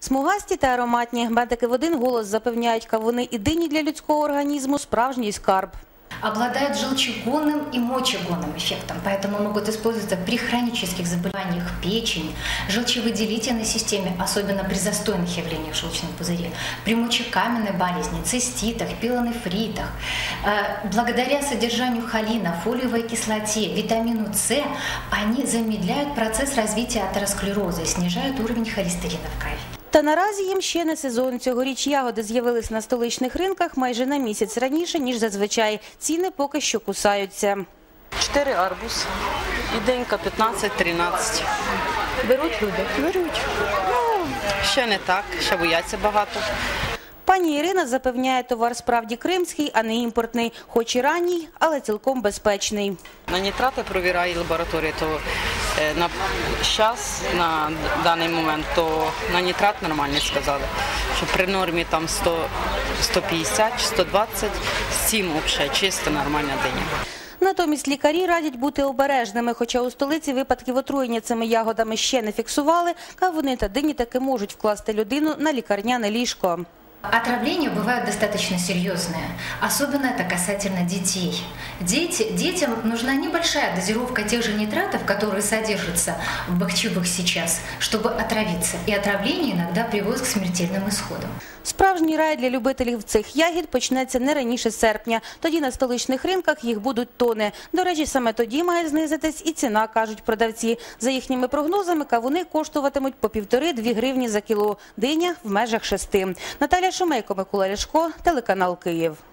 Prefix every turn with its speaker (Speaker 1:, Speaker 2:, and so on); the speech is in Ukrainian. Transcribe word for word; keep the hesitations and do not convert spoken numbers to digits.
Speaker 1: Смугасті та ароматні. Медики в один голос запевняють, кавуни і дині для людського організму – справжній скарб.
Speaker 2: Обладают желчегонным и мочегонным эффектом, поэтому могут использоваться при хронических заболеваниях печени, желчевыделительной системе, особенно при застойных явлениях в желчном пузыре, при мочекаменной болезни, циститах, пилонефритах. Благодаря содержанию холина, фолиевой кислоте, витамину С, они замедляют процесс развития атеросклероза и снижают уровень холестерина в крови.
Speaker 1: Та наразі їм ще не сезон. Цьогоріч ягоди з'явились на столичних ринках майже на місяць раніше, ніж зазвичай. Ціни поки що кусаються.
Speaker 3: Чотири арбуз, і денька п'ятнадцять-тринадцять.
Speaker 1: Беруть люди?
Speaker 3: Беруть. Ну, ще не так, ще бояться багато.
Speaker 1: Пані Ірина запевняє, товар справді кримський, а не імпортний. Хоч і ранній, але цілком безпечний.
Speaker 3: На нітрати провіряє лабораторія, то на час, на даний момент, то на нітрат нормально сказали. Що при нормі там сто, сто п'ятдесят, сто двадцять, сім взагалі, чисто нормальна диня.
Speaker 1: Натомість лікарі радять бути обережними, хоча у столиці випадків отруєння цими ягодами ще не фіксували, кавуни та дині таки можуть вкласти людину на лікарняне ліжко.
Speaker 2: Отравления бывают достаточно серьезные, особенно это касательно детей. Дети, детям нужна небольшая дозировка тех же нитратов, которые содержатся в бахчевых сейчас, чтобы отравиться. И отравление иногда приводит к смертельным исходам.
Speaker 1: Справжній рай для любителів цих ягід почнеться не раніше серпня. Тоді на столичних ринках їх будуть тони. До речі, саме тоді має знизитись і ціна, кажуть продавці. За їхніми прогнозами, кавуни коштуватимуть по півтори-дві гривні за кіло, диня в межах шести. Наталя Шумейко, Микола Ляшко, телеканал Київ.